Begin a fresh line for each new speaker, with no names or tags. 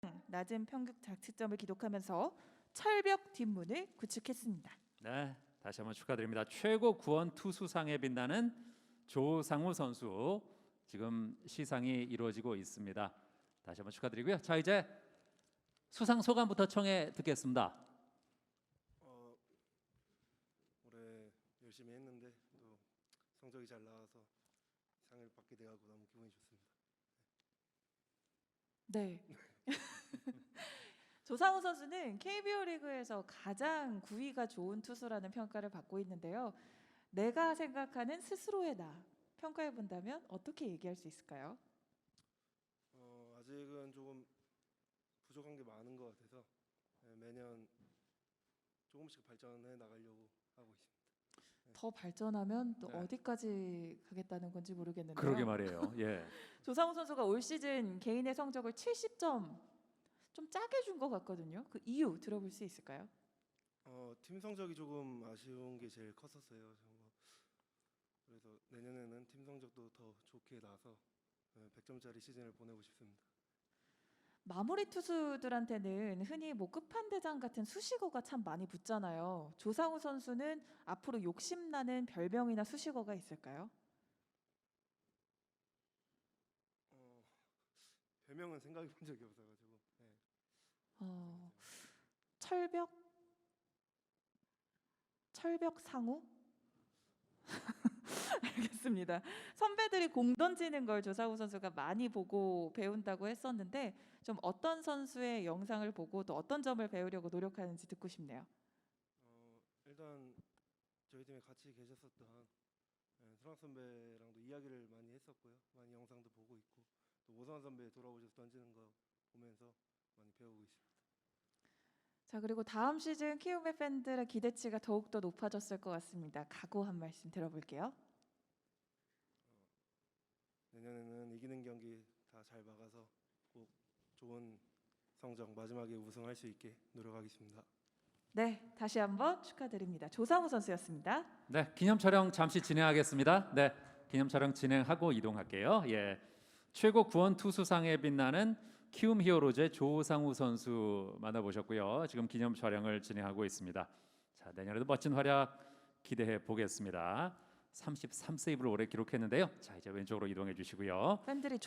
낮은 평균 자책점을 기록하면서 철벽 뒷문을 구축했습니다.
네, 다시 한번 축하드립니다. 최고 구원 투수상에 빛나는 조상우 선수 지금 시상이 이루어지고 있습니다. 다시 한번 축하드리고요. 자, 이제 수상 소감부터 청해 듣겠습니다.
올해 열심히 했는데 또 성적이 잘 나와서 상을 받게 돼가지고 너무 기분이 좋습니다.
네. 조상우 선수는 KBO 리그에서 가장 구위가 좋은 투수라는 평가를 받고 있는데요. 내가 생각하는 스스로의 나 평가해 본다면 어떻게 얘기할 수 있을까요?
아직은 조금 부족한 게 많은 것 같아서 매년 조금씩 발전해 나가려고 하고 있습니다.
더 발전하면 또
네.
어디까지 가겠다는 건지 모르겠는데요.
그러게 말이에요. 예.
조상우 선수가 올 시즌 개인의 성적을 70점 좀 짜게 준 것 같거든요. 그 이유 들어볼 수 있을까요?
팀 성적이 조금 아쉬운 게 제일 컸었어요. 그래서 내년에는 팀 성적도 더 좋게 나서 100점짜리 시즌을 보내고 싶습니다.
마무리 투수들한테는 흔히 뭐 끝판대장 같은 수식어가 참 많이 붙잖아요. 조상우 선수는 앞으로 욕심나는 별명이나 수식어가 있을까요?
별명은 생각해 본 적이 없어가지고. 네.
어, 철벽? 철벽 상우? 알겠습니다. 선배들이 공 던지는 걸 조상우 선수가 많이 보고 배운다고 했었는데 좀 어떤 선수의 영상을 보고 또 어떤 점을 배우려고 노력하는지 듣고 싶네요.
일단 저희 팀에 같이 계셨었던 수락 선배랑도 이야기를 많이 했었고요. 많이 영상도 보고 있고 또 오성환 선배 돌아오셔서 던지는 거 보면서 많이 배우고 있습니다.
자, 그리고 다음 시즌 키움의 팬들의 기대치가 더욱더 높아졌을 것 같습니다. 각오 한 말씀 들어볼게요.
내년에는 이기는 경기 다 잘 막아서 꼭 좋은 성적 마지막에 우승할 수 있게 노력하겠습니다.
네, 다시 한번 축하드립니다. 조상우 선수였습니다.
네, 기념 촬영 잠시 진행하겠습니다. 네, 기념 촬영 진행하고 이동할게요. 예, 최고 구원 투수상에 빛나는 키움 히어로즈의 조상우 선수 만나보셨고요. 지금 기념 촬영을 진행하고 있습니다. 자, 내년에도 멋진 활약 기대해 보겠습니다. 33세이브를 올해 기록했는데요. 자, 이제 왼쪽으로 이동해 주시고요.
팬들이